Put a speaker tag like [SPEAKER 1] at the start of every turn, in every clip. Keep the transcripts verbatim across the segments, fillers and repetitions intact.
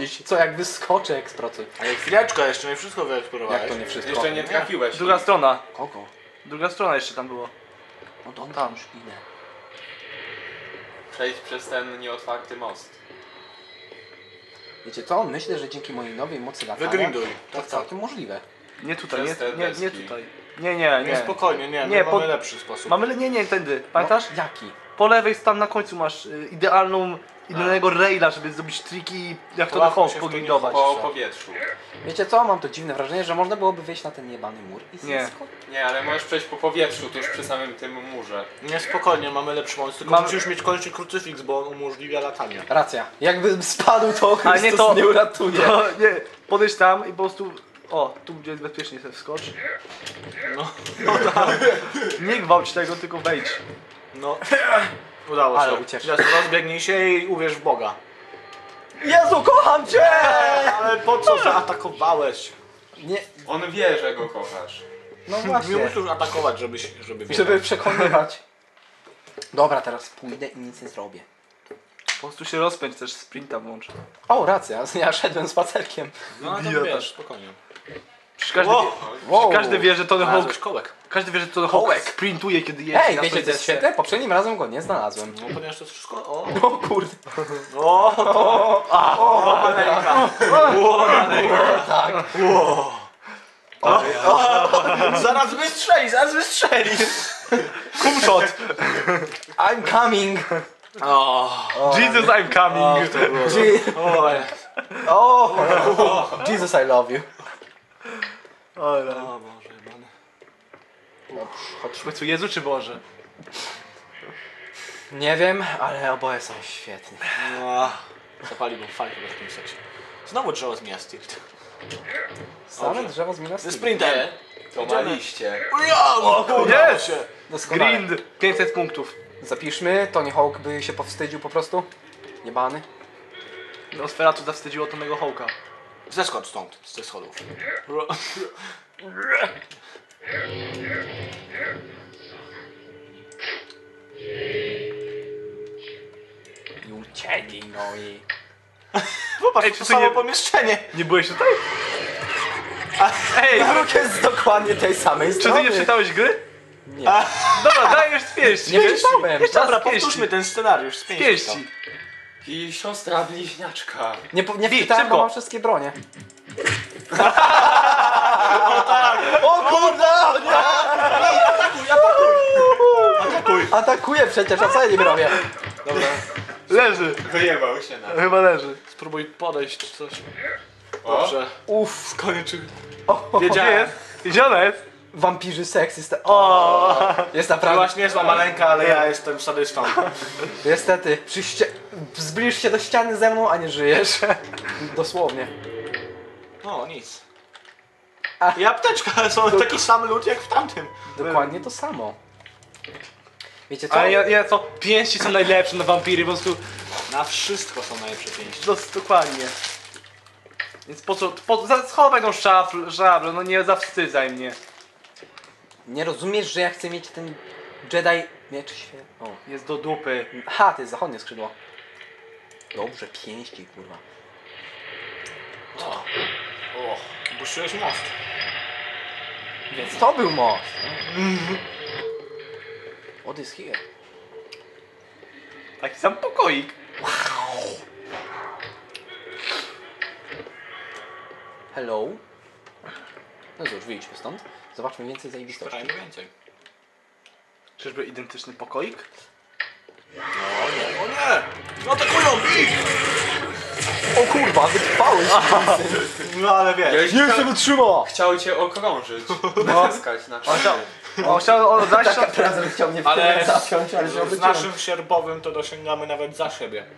[SPEAKER 1] Jeśli co, jak wyskoczę, eksploatuj.
[SPEAKER 2] Ale chwileczkę, jeszcze nie wszystko wyeksplorowałeś.
[SPEAKER 1] Jak to nie wszystko?
[SPEAKER 3] Jeszcze nie trafiłeś.
[SPEAKER 4] Druga strona.
[SPEAKER 1] Kogo?
[SPEAKER 4] Druga strona jeszcze tam było.
[SPEAKER 1] No to
[SPEAKER 4] Tam.
[SPEAKER 1] tam już idę.
[SPEAKER 3] Przejść przez ten nieotwarty most.
[SPEAKER 1] Wiecie co? Myślę, że dzięki mojej nowej mocy latania
[SPEAKER 2] Wygrinduj.
[SPEAKER 1] to jest całkiem możliwe.
[SPEAKER 4] Nie tutaj, nie,
[SPEAKER 3] Przez te
[SPEAKER 4] nie, nie
[SPEAKER 3] deski.
[SPEAKER 4] tutaj. Nie, nie,
[SPEAKER 2] Nie,
[SPEAKER 4] nie.
[SPEAKER 2] spokojnie, nie,
[SPEAKER 4] Nie,
[SPEAKER 2] nie
[SPEAKER 4] po-
[SPEAKER 2] mamy lepszy sposób.
[SPEAKER 4] Mamy, nie, nie, tędy. Pamiętasz?
[SPEAKER 1] No, jaki?
[SPEAKER 4] Po lewej tam na końcu masz y, idealną, idealnego raila, żeby zrobić triki, jak to na
[SPEAKER 2] Łapmy
[SPEAKER 4] Hulk
[SPEAKER 2] się w to
[SPEAKER 4] pogrindować.
[SPEAKER 3] Po powietrzu.
[SPEAKER 1] Wiecie co? Mam to dziwne wrażenie, że można byłoby wejść na ten jebany mur i
[SPEAKER 4] Nie.
[SPEAKER 1] zysko.
[SPEAKER 3] Nie, ale możesz przejść po powietrzu tuż przy samym tym murze.
[SPEAKER 2] Nie, spokojnie, mamy lepszy moment, tylko
[SPEAKER 4] Mam-
[SPEAKER 2] musisz mieć koniecznie krucyfiks, bo on umożliwia latanie.
[SPEAKER 1] Racja. Jakbym spadł, to
[SPEAKER 4] A
[SPEAKER 1] Chrystus
[SPEAKER 4] nie
[SPEAKER 1] nie,
[SPEAKER 4] to-
[SPEAKER 1] nie uratuje.
[SPEAKER 4] No, nie, podejdź tam i po prostu... O, tu gdzie jest bezpiecznie sobie wskocz.
[SPEAKER 2] No,
[SPEAKER 4] Nie gwałć tego, tylko wejdź.
[SPEAKER 2] no. Udało
[SPEAKER 1] Ale
[SPEAKER 2] się.
[SPEAKER 1] ucieczka.
[SPEAKER 2] Teraz rozbiegnij się i uwierz w Boga.
[SPEAKER 1] Jezu, kocham cię!
[SPEAKER 2] Ale po co zaatakowałeś?
[SPEAKER 1] Nie,
[SPEAKER 3] On wie, że go kochasz.
[SPEAKER 1] no
[SPEAKER 2] Nie
[SPEAKER 1] właśnie.
[SPEAKER 2] musisz atakować, żeby, się- żeby wiedział.
[SPEAKER 1] Żeby przekonywać. Dobra, teraz pójdę i nic nie zrobię.
[SPEAKER 4] Po prostu się rozpędź, też sprinta włącz.
[SPEAKER 1] O, racja, ja szedłem spacerkiem.
[SPEAKER 2] No, to
[SPEAKER 4] Idiota.
[SPEAKER 2] wiesz, spokojnie.
[SPEAKER 4] Przecież każdy,
[SPEAKER 2] Wow.
[SPEAKER 4] wie,
[SPEAKER 1] Wow.
[SPEAKER 4] każdy wie, że Tony Hawk,
[SPEAKER 2] Znalazłeś kołek.
[SPEAKER 4] każdy wie, że Tony Hawk
[SPEAKER 1] Kołek.
[SPEAKER 4] sprintuje, kiedy jeździ
[SPEAKER 1] Hej,
[SPEAKER 4] na
[SPEAKER 1] wiecie
[SPEAKER 4] swojej
[SPEAKER 1] co jest
[SPEAKER 4] desce.
[SPEAKER 1] świetne? Poprzednim razem go nie znalazłem.
[SPEAKER 2] No, ponieważ to jest wszystko... O,
[SPEAKER 1] O kurde.
[SPEAKER 2] o, o, o, ręka. O, ręka.
[SPEAKER 1] Tak.
[SPEAKER 2] Zaraz wystrzeli, zaraz wystrzeli.
[SPEAKER 4] Kumshot!
[SPEAKER 1] I'm coming.
[SPEAKER 2] O,
[SPEAKER 4] Jesus, I'm coming!
[SPEAKER 1] Je-
[SPEAKER 2] o,
[SPEAKER 1] oh. Jesus, I love you.
[SPEAKER 4] Ale...
[SPEAKER 2] o Boże, jebany.
[SPEAKER 4] W końcu Jezu czy Boże?
[SPEAKER 1] Nie wiem, ale oboje są świetni.
[SPEAKER 2] No, zapaliłbym fajkę w takim seksie. Znowu drzewo z miasta.
[SPEAKER 1] Same
[SPEAKER 2] Dobrze.
[SPEAKER 1] drzewo z Minas
[SPEAKER 2] Ze
[SPEAKER 1] Tirith.
[SPEAKER 2] sprintem.
[SPEAKER 3] To ma liście.
[SPEAKER 2] O, kurde,
[SPEAKER 4] Jest!
[SPEAKER 2] się.
[SPEAKER 1] Doskonale.
[SPEAKER 4] Grind! pięćset punktów.
[SPEAKER 1] Zapiszmy, Tony Hawk by się powstydził po prostu. Jebany.
[SPEAKER 4] Nosferatu zawstydziło Tonego Hawka.
[SPEAKER 2] Zeskocz stąd, z tych schodów.
[SPEAKER 1] I uciekli, no i...
[SPEAKER 2] Popatrz,
[SPEAKER 4] Ej,
[SPEAKER 2] to
[SPEAKER 4] czy ty
[SPEAKER 2] samo
[SPEAKER 4] nie-
[SPEAKER 2] pomieszczenie.
[SPEAKER 4] Nie byłeś tutaj? Ej,
[SPEAKER 1] Druk jest z dokładnie tej samej
[SPEAKER 4] czy ty
[SPEAKER 1] strony.
[SPEAKER 4] nie czytałeś gry?
[SPEAKER 1] Nie.
[SPEAKER 4] Dobra, dajesz z pięści.
[SPEAKER 1] Nie czytałem.
[SPEAKER 4] Jeszcze raz
[SPEAKER 2] Dobra,
[SPEAKER 4] z pięści.
[SPEAKER 2] powtórzmy ten scenariusz z
[SPEAKER 4] Z
[SPEAKER 2] pięści.
[SPEAKER 4] pięści.
[SPEAKER 3] I siostra bliźniaczka.
[SPEAKER 1] Nie, po- nie
[SPEAKER 4] Wi,
[SPEAKER 1] wczytałem, bo
[SPEAKER 4] szybko.
[SPEAKER 1] mam wszystkie bronie. O kurde! Nie!
[SPEAKER 2] Atakuj.
[SPEAKER 1] Atakuję przecież, a co ja nie robię?
[SPEAKER 2] Dobra,
[SPEAKER 4] Leży.
[SPEAKER 3] Wyjebał się na...
[SPEAKER 4] Chyba leży.
[SPEAKER 2] spróbuj podejść coś.
[SPEAKER 3] O,
[SPEAKER 2] Dobrze.
[SPEAKER 1] Uff,
[SPEAKER 2] Skończy.
[SPEAKER 1] o,
[SPEAKER 4] Gdzie jest? Gdzie ona jest?
[SPEAKER 1] wampirzy seks jest...
[SPEAKER 4] O,
[SPEAKER 1] Jest
[SPEAKER 2] To
[SPEAKER 1] naprawdę...
[SPEAKER 2] właśnie niezła maleńka, ale ja jestem sadystą.
[SPEAKER 1] Niestety, przy ście... zbliż się do ściany ze mną, a nie żyjesz. Dosłownie.
[SPEAKER 2] No, nic.
[SPEAKER 1] A-
[SPEAKER 2] I apteczka, są taki sam lód jak w tamtym.
[SPEAKER 1] Dokładnie to samo. Wiecie co?
[SPEAKER 4] ale ja, ja co? Pięści są najlepsze na wampiry, po prostu.
[SPEAKER 2] Na wszystko są najlepsze pięści.
[SPEAKER 4] No, dokładnie. Więc po co? Po, za- schowaj tą szafl, szablę, no nie zawstydzaj mnie.
[SPEAKER 1] Nie rozumiesz, że ja chcę mieć ten Jedi... Miecz świat... O.
[SPEAKER 4] Jest do dupy.
[SPEAKER 1] Ha, to jest zachodnie skrzydło. Dobrze, pięści, kurwa.
[SPEAKER 2] O, opuściłeś most.
[SPEAKER 1] Więc to był most. What is here?
[SPEAKER 4] Taki sam pokoik.
[SPEAKER 1] Hello? No cóż, wyjdźmy stąd. Zobaczmy więcej zajebistości.
[SPEAKER 2] Szukajmy więcej.
[SPEAKER 4] Czyżby identyczny pokoik?
[SPEAKER 2] O nie, o nie! Atakują ich!
[SPEAKER 1] O kurwa, wytrwałeś!
[SPEAKER 2] No ale wiesz.
[SPEAKER 1] Nie się wytrzyma!
[SPEAKER 3] Chciał cię okrążyć. Naciskać na
[SPEAKER 4] On chciał,
[SPEAKER 3] cztery.
[SPEAKER 4] on chciał on zaś
[SPEAKER 1] Tak razem chciał mnie w
[SPEAKER 2] Ale
[SPEAKER 1] tyle zapiąć, ale się
[SPEAKER 2] Z
[SPEAKER 1] obróciłem.
[SPEAKER 2] naszym sierbowym to dosięgamy nawet za siebie.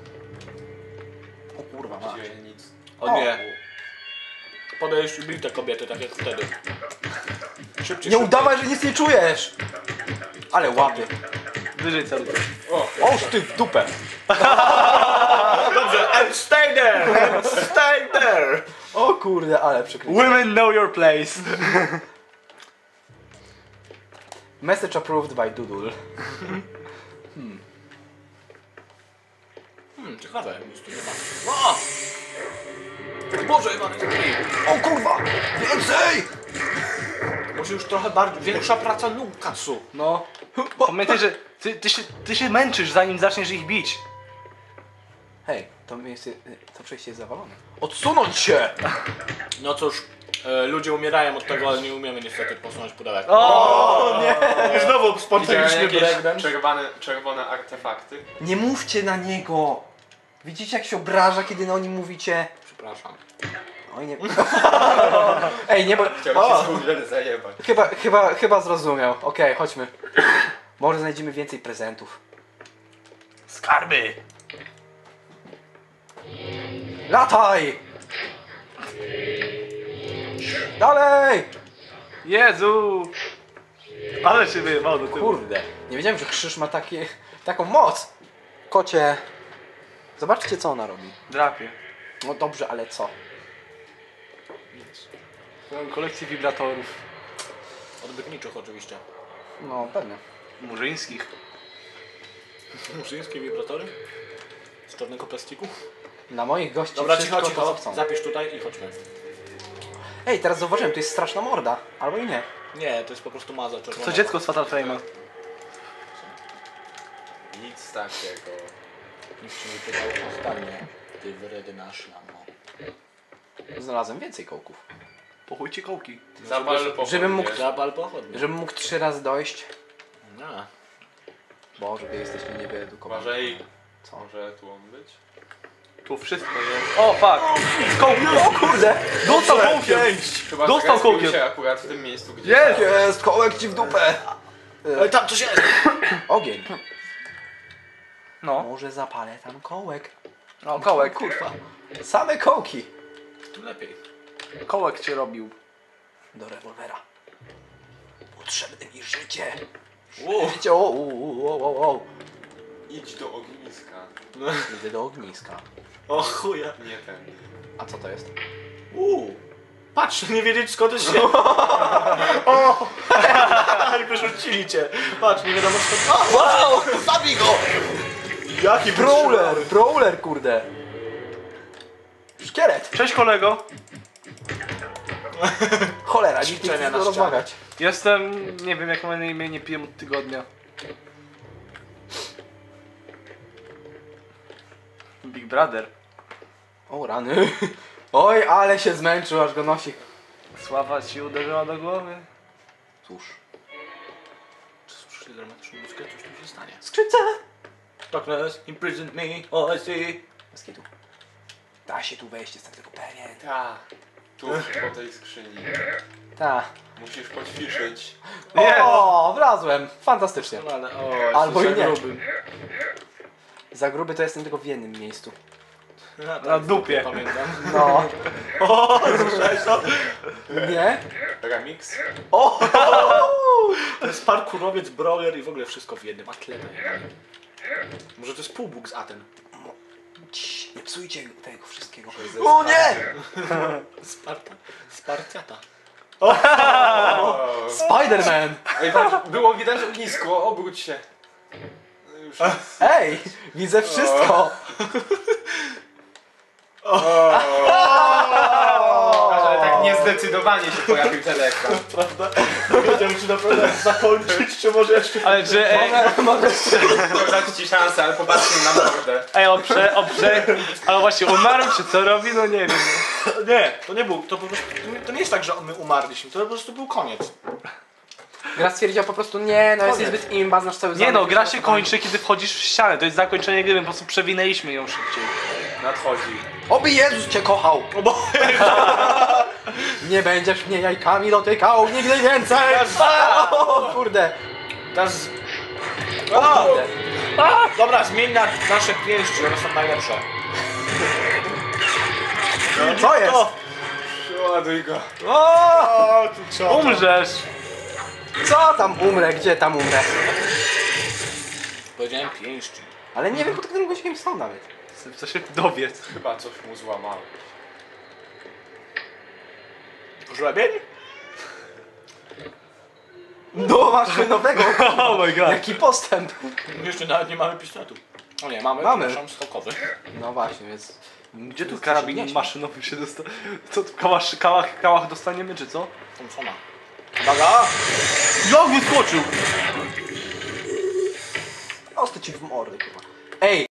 [SPEAKER 1] O kurwa, ma.
[SPEAKER 3] Gdzie nic.
[SPEAKER 2] O nie. Podejść i bij te kobiety, tak jak wtedy. Szybciej,
[SPEAKER 1] Nie
[SPEAKER 2] szybciej.
[SPEAKER 1] udawaj, że nic nie czujesz! Ale łapie.
[SPEAKER 4] wyżej celuj.
[SPEAKER 1] Oż ty w dupę!
[SPEAKER 2] Dobrze, and stay there! And stay there!
[SPEAKER 1] O kurde, ale przykrycie.
[SPEAKER 4] Women know your place.
[SPEAKER 1] Message approved by Doodle.
[SPEAKER 2] Hmm, ciekawe, nic tu nie ma. O! Boże, Iwan,
[SPEAKER 1] O kurwa! Więcej!
[SPEAKER 2] może już trochę bardziej, większa praca nóg, Katsu.
[SPEAKER 4] No. Pamiętaj, że ty, ty, się, ty się męczysz zanim zaczniesz ich bić.
[SPEAKER 1] Hej, to miejsce, to przejście jest zawalone. Odsunąć się!
[SPEAKER 2] No cóż, e, ludzie umierają od tego, ale nie umiemy niestety posunąć pudełek.
[SPEAKER 4] O nie!
[SPEAKER 2] Znowu
[SPEAKER 3] Widziałem
[SPEAKER 2] spontaniczny
[SPEAKER 3] jakieś
[SPEAKER 2] breakdance.
[SPEAKER 3] czerwone, czerwone artefakty.
[SPEAKER 1] Nie mówcie na niego! Widzicie jak się obraża, kiedy o nim mówicie?
[SPEAKER 2] Przepraszam.
[SPEAKER 1] Oj nie... Ej, nie bo...
[SPEAKER 3] Chciałem
[SPEAKER 1] O!
[SPEAKER 3] się z Google zajebać.
[SPEAKER 1] Chyba, chyba, chyba zrozumiał. Okej, chodźmy. Może znajdziemy więcej prezentów.
[SPEAKER 4] Skarby!
[SPEAKER 1] Lataj! Dalej!
[SPEAKER 4] Jezu! Ale się wyjebał do tyłu.
[SPEAKER 1] Kurde, nie wiedziałem, że krzyż ma takie, taką moc. Kocie, zobaczcie co ona robi.
[SPEAKER 4] Drapie.
[SPEAKER 1] No dobrze, ale co?
[SPEAKER 4] Mam kolekcję wibratorów.
[SPEAKER 2] Odbytniczych oczywiście.
[SPEAKER 1] No pewnie.
[SPEAKER 4] Murzyńskich.
[SPEAKER 2] Murzyńskie wibratory? Z czarnego plastiku?
[SPEAKER 1] Na moich gości
[SPEAKER 2] Dobra,
[SPEAKER 1] wszystko
[SPEAKER 2] cicho,
[SPEAKER 1] to, co
[SPEAKER 2] cicho.
[SPEAKER 1] chcą.
[SPEAKER 2] Zapisz tutaj i chodźmy.
[SPEAKER 1] Ej, teraz zauważyłem, to jest straszna morda. Albo i nie.
[SPEAKER 2] Nie, to jest po prostu maza czerwona.
[SPEAKER 4] To dziecko z Fatal Frame'a.
[SPEAKER 3] Nic takiego.
[SPEAKER 2] Nikt się nie pytał ostatnie. Ty wyredy nasz lamo.
[SPEAKER 1] Znalazłem więcej kołków.
[SPEAKER 4] Po chuj ci kołki.
[SPEAKER 3] Zapal pochodnie.
[SPEAKER 1] żebym mógł-
[SPEAKER 2] Zabal pochodnie.
[SPEAKER 1] Żebym mógł trzy razy dojść.
[SPEAKER 2] No.
[SPEAKER 1] Boże, wy jesteście niewyedukowani.
[SPEAKER 3] Uważaj,
[SPEAKER 1] Co?
[SPEAKER 3] może tu on być?
[SPEAKER 4] Tu wszystko jest. O fuck! Kołki!
[SPEAKER 1] O kurde!
[SPEAKER 4] Dostał kołkiem!
[SPEAKER 3] Chyba
[SPEAKER 4] Dostał
[SPEAKER 3] zrespił
[SPEAKER 4] kołkiem.
[SPEAKER 3] się akurat w tym miejscu, gdzie...
[SPEAKER 4] Jest!
[SPEAKER 1] Jest, kołek ci w dupę!
[SPEAKER 2] Ej, tam coś jest!
[SPEAKER 1] Ogień.
[SPEAKER 4] No.
[SPEAKER 1] Może zapalę tam kołek.
[SPEAKER 4] No, kołek.
[SPEAKER 1] Kurwa. Same kołki.
[SPEAKER 2] Tu lepiej.
[SPEAKER 4] Kołek cię robił.
[SPEAKER 1] Do rewolwera. Potrzebne mi życie.
[SPEAKER 2] Uuu.
[SPEAKER 1] Życie, o, o, o, o, o.
[SPEAKER 3] Idź do ogniska.
[SPEAKER 1] Idę do ogniska.
[SPEAKER 2] O chuja.
[SPEAKER 3] Nie tędy.
[SPEAKER 1] A co to jest?
[SPEAKER 2] Uuu. Patrz, nie wiedzieć skąd się... O! Jak wyrzucili cię. Patrz, nie wiadomo skąd... O!
[SPEAKER 1] Wow! Zabij go!
[SPEAKER 2] Jaki
[SPEAKER 1] Brawler! Brawler, kurde! Szkielet!
[SPEAKER 4] Cześć kolego.
[SPEAKER 1] Cholera, nikt nie chce
[SPEAKER 2] Ćwiczenia
[SPEAKER 1] z
[SPEAKER 2] na
[SPEAKER 1] nim
[SPEAKER 2] ścianie.
[SPEAKER 1] rozmawiać.
[SPEAKER 4] Jestem... nie wiem jak mam na imię, nie piję od tygodnia. Big Brother.
[SPEAKER 1] O rany. Oj, ale się zmęczył, aż go nosi.
[SPEAKER 4] Sława ci uderzyła do głowy.
[SPEAKER 1] Cóż.
[SPEAKER 2] Czy słyszeli dramatyczną muzykę? Coś tu się stanie.
[SPEAKER 1] Skrzypce!
[SPEAKER 2] Darkness imprisoned me, all I see.
[SPEAKER 1] Bez kitu. Da się tu wejść, jestem tego pewien.
[SPEAKER 3] Ta. Tu, po tej skrzyni.
[SPEAKER 1] Ta.
[SPEAKER 3] Musisz poćwiczyć.
[SPEAKER 4] Nie.
[SPEAKER 1] O, wlazłem. Fantastycznie.
[SPEAKER 2] No ale, o,
[SPEAKER 1] Albo
[SPEAKER 2] jesteś
[SPEAKER 1] i nie.
[SPEAKER 2] za gruby.
[SPEAKER 1] Za gruby to jestem tylko w jednym miejscu.
[SPEAKER 2] Ja tak
[SPEAKER 4] Na dupie.
[SPEAKER 2] Pamiętam.
[SPEAKER 1] No.
[SPEAKER 2] O, słyszałeś to?
[SPEAKER 1] Nie?
[SPEAKER 3] Remix?
[SPEAKER 1] O!
[SPEAKER 2] To jest parkurowiec, brawler i w ogóle wszystko w jednym. Atleta. Może to jest półbóg z Aten.
[SPEAKER 1] Cii, nie psujcie tego wszystkiego.
[SPEAKER 3] Ze
[SPEAKER 1] O nie!
[SPEAKER 2] Sparta. Spartiata.
[SPEAKER 3] O!
[SPEAKER 1] Spider-Man!
[SPEAKER 3] Ej, patrz, było widać ognisko, obróć się. No już jest.
[SPEAKER 1] Ej! Widzę wszystko!
[SPEAKER 3] Ale tak niezdecydowanie się pojawił ten ekran.
[SPEAKER 2] Prawda? Nie wiedziałem, czy naprawdę zakończyć, czy może jeszcze...
[SPEAKER 4] Ale że... Ej,
[SPEAKER 1] Mogę
[SPEAKER 3] To dać ci szansę, ale popatrzcie na mordę.
[SPEAKER 4] ej on prze... on prze... ale właśnie umarł czy co robi? No nie wiem.
[SPEAKER 2] Nie, to nie był, to po prostu, to nie jest tak, że my umarliśmy, to po prostu był koniec.
[SPEAKER 1] Gra stwierdziła po prostu nie, no jest
[SPEAKER 2] Koniec.
[SPEAKER 1] niezbyt imba, znasz cały
[SPEAKER 4] Nie
[SPEAKER 1] zamek,
[SPEAKER 4] no, gra się
[SPEAKER 1] przygotowanie.
[SPEAKER 4] kończy kiedy wchodzisz w ścianę. To jest zakończenie gry, my po prostu przewinęliśmy ją szybciej.
[SPEAKER 3] Nadchodzi.
[SPEAKER 1] Oby Jezus cię kochał!
[SPEAKER 2] O bo...
[SPEAKER 1] Nie będziesz mnie jajkami dotykał nigdy więcej! O kurde!
[SPEAKER 2] Teraz...
[SPEAKER 1] O, kurde.
[SPEAKER 2] Dobra, zmień na nasze pięści, one są najlepsze.
[SPEAKER 1] Co jest?
[SPEAKER 2] O,
[SPEAKER 3] Przeładuj go.
[SPEAKER 1] O!
[SPEAKER 2] o tu co?
[SPEAKER 4] Umrzesz!
[SPEAKER 1] Co tam umrę? Gdzie tam umrę?
[SPEAKER 2] Powiedziałem pięści.
[SPEAKER 1] Ale nie wiem pod którym gościem są nawet.
[SPEAKER 4] Co się dowiedz.
[SPEAKER 3] Chyba coś mu złamało.
[SPEAKER 2] Żlebień?
[SPEAKER 1] No masz nowego!
[SPEAKER 4] Oh my god.
[SPEAKER 1] Jaki postęp!
[SPEAKER 2] Jeszcze nawet nie mamy pistoletu. O nie, mamy,
[SPEAKER 1] Mamy.
[SPEAKER 2] przepraszam, skokowy.
[SPEAKER 1] No właśnie, więc
[SPEAKER 4] Gdzie tu
[SPEAKER 1] Jest
[SPEAKER 4] karabin
[SPEAKER 1] nieźle.
[SPEAKER 4] maszynowy się dostał? Co tu kałach, kałach, kałach dostaniemy czy co?
[SPEAKER 2] Thompsona. Uwaga!
[SPEAKER 4] Jak wyskoczył?
[SPEAKER 1] Ostę ci w mordę, kurwa. Ej!